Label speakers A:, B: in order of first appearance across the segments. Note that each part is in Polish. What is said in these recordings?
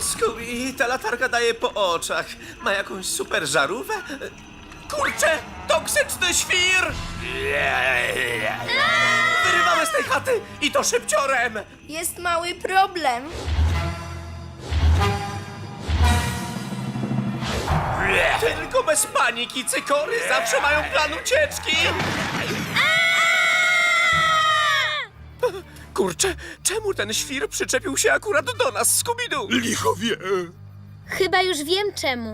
A: O, Scooby, ta latarka daje po oczach. Ma jakąś super żarówkę? Kurczę, toksyczny świr! Wyrywamy z tej chaty i to szybciorem!
B: Jest mały problem.
A: Tylko bez paniki, cykory zawsze mają plan ucieczki! Kurczę, czemu ten świr przyczepił się akurat do nas, Scooby-Doo?
C: Licho wie.
D: Chyba już wiem czemu.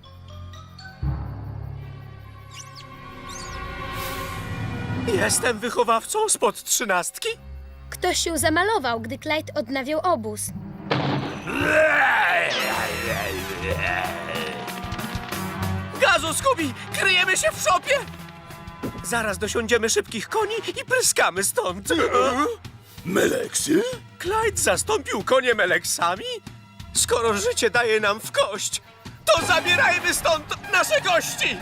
A: Jestem wychowawcą spod 13?
D: Ktoś się zamalował, gdy Clyde odnawiał obóz.
A: Gazu, Scooby! Kryjemy się w szopie! Zaraz dosiądziemy szybkich koni i pryskamy stąd.
C: Meleksy?
A: Clyde zastąpił konie Meleksami? Skoro życie daje nam w kość, to zabierajmy stąd nasze gości!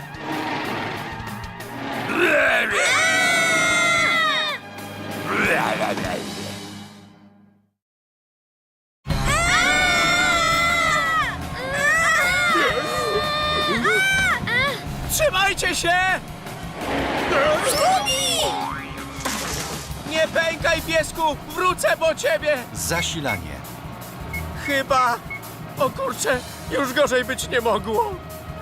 A: Trzymajcie się! Nie pękaj, piesku! Wrócę po ciebie!
E: Zasilanie.
A: Chyba... O kurczę, już gorzej być nie mogło.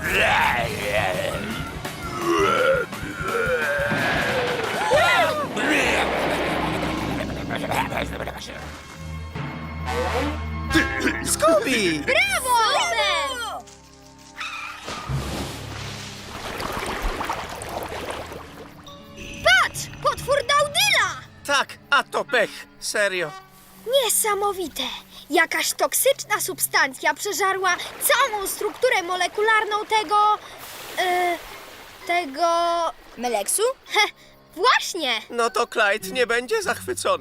A: Scooby!
D: Brawo!
B: Patrz! Potwór Daudyla!
A: Tak, a to pech. Serio.
B: Niesamowite! Jakaś toksyczna substancja przeżarła całą strukturę molekularną tego... tego... Meleksu? He, właśnie!
A: No to Clyde nie będzie zachwycony.